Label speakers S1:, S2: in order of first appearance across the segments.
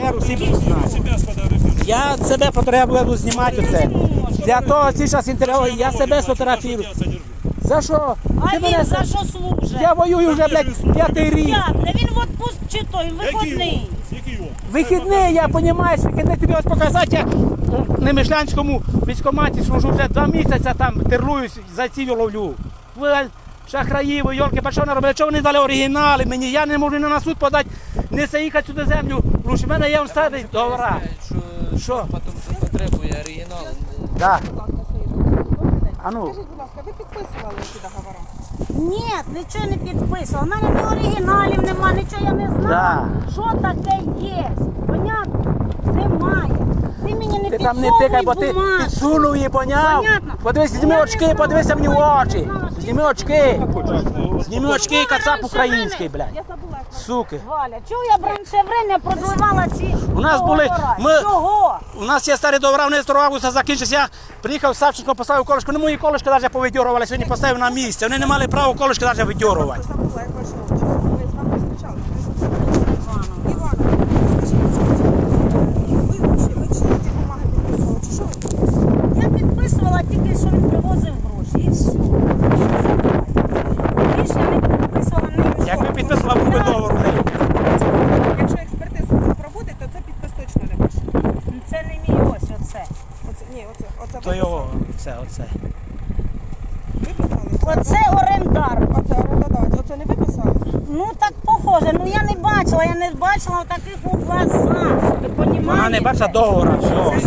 S1: тепер усі будуть знати. Я себе буду знімати оце. Для того ці час інтерв'ю, я себе сфотографірую. За що?
S2: А він за що служить?
S1: Я воюю вже, блядь, 5-й рік.
S2: Він в отпуск чи той, виходний.
S1: Вихідний, я розумію, вихідний тобі ось показати, я у Немишлянському військкоматі служу вже 2 місяці, там терлуюсь, зайців ловлю. Ви шахраї, ви, йолки, пішов на роботу, чого ви не дали оригінали мені, я не можу ні на суд подати, не заїхати сюди землю, лучше, в мене є старий договора. Що?
S3: Потім потребує оригінал.
S1: Так. А ну.
S4: Скажіть, будь ласка, ви підписували ці договори?
S2: Ні, нічого не підписував. У мене ні оригіналів нема, нічого я не знаю.
S1: Да.
S2: Що таке є? Понятно? Немає. Ти мені не
S1: Ти там не
S2: підсовуй
S1: тикай, бо ти
S2: бумажку.
S1: підсунув її, поняв?
S2: Понятно.
S1: Подивись, зніми очки, подивися мені в очі. Зніми очки. Зніми очки, кацап український, блядь.
S4: Я забула, як вас.
S1: Суки.
S2: Валя, чого я б раніше время продливала ці
S1: У нас були,
S2: договори? Чого?
S1: у нас є старі договори, вони 2 августа закінчилися. Я приїхав, Савченко поставив колишку, не мої колишки навіть повидьорували, сьогодні поставив на місце. Вони не мали права колишки навіть видьорувати.
S4: Забула, як ваше отчество. Ви з вами зустрічалися? Івана, скажіть, будь ласка, ви чи ці бумаги підписували, чи що ви підписували?
S2: Я підписувала тільки, що він привозив гроші. І все. Більше не підписувала нічого.
S1: Якби підписала, був би договор.
S4: Якщо експертизу не проводить, то це підпис точно не пише.
S2: Це не мій ось оце.
S4: Ні, оце
S1: То його, оце.
S4: виписали.
S2: Оце орендар.
S4: Оце орендодавець, оце не виписали?
S2: Ну так похоже, ну я не бачила таких у глазах. Ви понімаєте?
S1: Вона не бачила договора, все.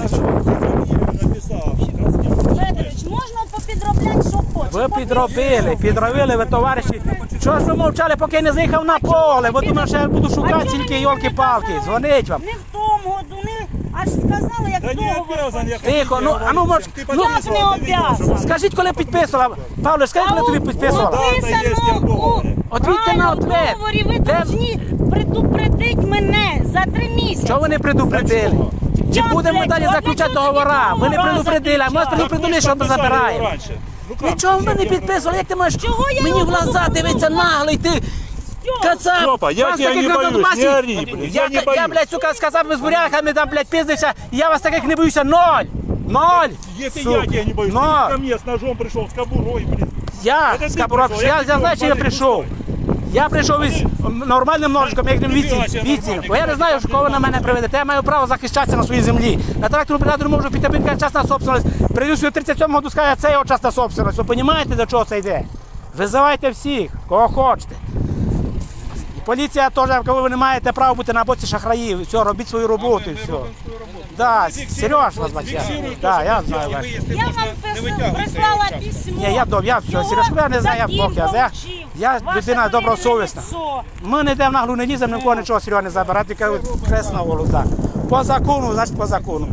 S2: Федорович, можна попідробляти, що хочеш.
S1: Ви підробили, ви товариші. Чого ж ви мовчали, поки я не заїхав на поле? Ви думаєте, що я буду шукати тільки йолки-палки, дзвонить вам.
S2: Не в тому году, не аж сказали, як договор.
S1: Тихо, ну, а ну, може, ну,
S2: Як не обов'язано?
S1: скажіть, коли підписувала. Павло, скажіть, коли тобі підписувала? Отвітьте на ответ.
S2: У договорі ви
S1: Де-
S2: повинні предупредити мене за 3 місяці.
S1: Чого ви не предупредили? Чи
S2: Як
S1: будемо
S2: для
S1: далі
S2: чого?
S1: заключати
S2: Для чого
S1: договора?
S2: тоді
S1: Ви не
S2: договора
S1: предупредили, а ми
S2: заключати?
S1: предупредили, що ми забираємо. Нічого ми не підписували, як ти можеш
S2: Чого я
S1: мені в
S2: його
S1: глаза
S2: буду
S1: дивитися наглий, ти кацап.
S5: Степа, я
S1: Вас
S5: тебя
S1: таких
S5: не
S1: на
S5: боюсь,
S1: Донбасі-
S5: не ори, блядь, я не
S1: Я,
S5: боюсь.
S1: блядь, сука, з казапами, з буряками там, блядь, пиздився, і я вас таких не боюся, 0.
S5: Если
S1: Сука.
S5: я тебя не боюсь,
S1: Но.
S5: ты ко мне с ножом пришел, с кобурой, блин.
S1: Я
S5: Это
S1: з
S5: ти
S1: Кабурок,
S5: прийшов,
S1: я
S5: я
S1: знаю,
S5: прийшов,
S1: що я прийшов. Я прийшов із нормальним ножиком, як
S5: Ніфіга себе,
S1: віці.
S5: нормальний.
S1: Бо я не знаю, кого ви на мене приведете. Я маю право захищатися на своїй землі. На тракторну бригаду не можу піти, бо він частна собственность. Прийду сюди 37 году, скаже, це його частна собственность. Ви розумієте, до чого це йде? Визивайте всіх, кого хочете. І поліція теж, коли ви не маєте права бути на боці шахраїв. Все, робіть свою роботу і все. Да, Сереж вас бачив. Да, я знаю вас.
S2: Я вам прислала письмо.
S1: Ні, я все, Сережку, я не знаю, я Бог, я людина добросовісна. Ми не йдемо в наглу, не ліземо, нікого нічого Серега не забирати, тільки хрест на голову. Так. По закону, значить по закону.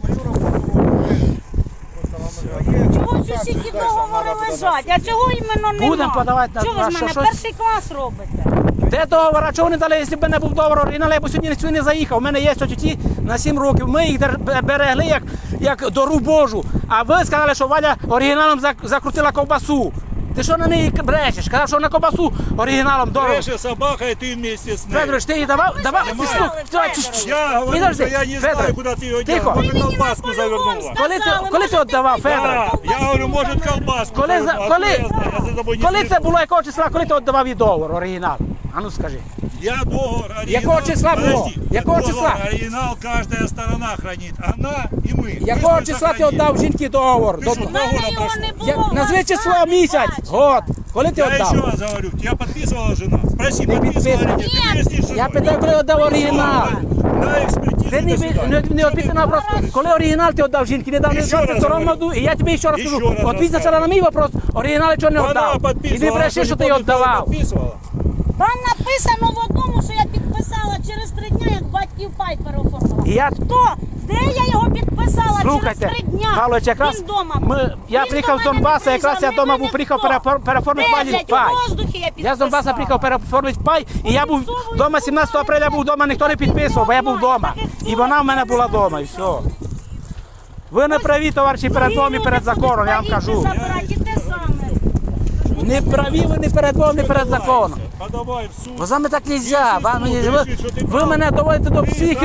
S2: Чого ж усі ті договори лежать? А чого іменно нема?
S1: Будемо подавати на-
S2: Чого ви
S1: на
S2: з мене
S1: щось?
S2: перший клас робите?
S1: Де договор? А чого не дали, якщо б не був договор оригінал, я б сьогодні сюди не заїхав. У мене є тіті на 7 років. Ми їх берегли як дору Божу. А ви сказали, що Валя оригіналом закрутила ковбасу. Ти що на неї брешеш? Сказав, що на ковбасу оригіналом дорого.
S5: Дальше собака, и ты вместе с ней.
S1: Федорович, ти її давав? Давав? Ти
S2: Федорович.
S1: слух.
S5: Я говорю,
S1: Підожди,
S5: что я не
S1: Федорович,
S5: знаю, куда ты ее
S1: тихо.
S5: делал. Может,
S2: Вы мне
S5: колбаску
S2: по-любому
S5: завернула.
S2: сказали.
S1: Коли ти віддавав, Федорович?
S5: Да, я говорю, может, колбаску
S1: Коли
S5: завернула. Откуда я знаю? Я за тобой не
S1: коли це
S5: слежу.
S1: було, якого числа, коли ти віддавав їй договор, оригінал? А ну скажи.
S5: Я договор, оригинал.
S1: Якого числа було?
S5: Подожди,
S1: Якого
S5: договор,
S1: числа?
S5: Оригинал каждая сторона хранит. Она и мы.
S1: Якого
S5: Мы
S1: числа ти
S5: сохранили.
S1: віддав жінки договор?
S5: Ти що,
S2: У мене його не було.
S1: Назви
S2: вас
S1: число,
S2: самі
S1: місяць,
S2: бачили.
S1: год. Коли ти
S5: Я еще
S1: віддав?
S5: раз говорю, тебя подписывала жена? Спроси,
S1: Не
S5: подписывала
S1: подписывала.
S5: или нет? Ты выясни, что
S1: Я питаю, коли віддав оригінал.
S5: на экспертизу
S1: Ти
S5: до суда.
S1: не відповідь на вопрос, коли оригінал ти віддав жінки, не дав не
S5: Ще раз
S1: 22
S5: говорю.
S1: году, і я тобі ще раз
S5: Ще
S1: кажу,
S5: раз
S1: відповідь
S5: розказую.
S1: спочатку на мій вопрос, оригінал чого не
S5: Она
S1: віддав. І не
S5: подписывала,
S1: бреши, що ти його віддавав.
S5: подписывала.
S2: Там написано в одному, що я підписала через 3 дня, як батьків пай переоформила.
S1: І я
S2: Хто? Де я його підписала
S1: Слухайте,
S2: через 3 дня?
S1: Павлович, якраз
S2: Він дома.
S1: я
S2: Він
S1: приїхав
S2: до
S1: з
S2: мене
S1: Донбаса,
S2: не
S1: якраз я
S2: приїжджав,
S1: вдома
S2: мене
S1: був, приїхав
S2: ніхто.
S1: переоформити
S2: Де,
S1: пані
S2: блядь,
S1: пай.
S2: у воздухі я підписала.
S1: Я з Донбаса приїхав переоформити пай, і я був вдома 17 апреля, був вдома, ніхто не підписував, бо я був вдома. І вона в мене була вдома, і все. Ви не праві, товариші, перед Богом і перед законом, я вам кажу.
S2: Забирати і те саме.
S1: Не праві ви не перед Богом, не перед законом.
S5: Подавай в суд.
S1: Бо з вами так не можна. Ви мене доводите до психіки.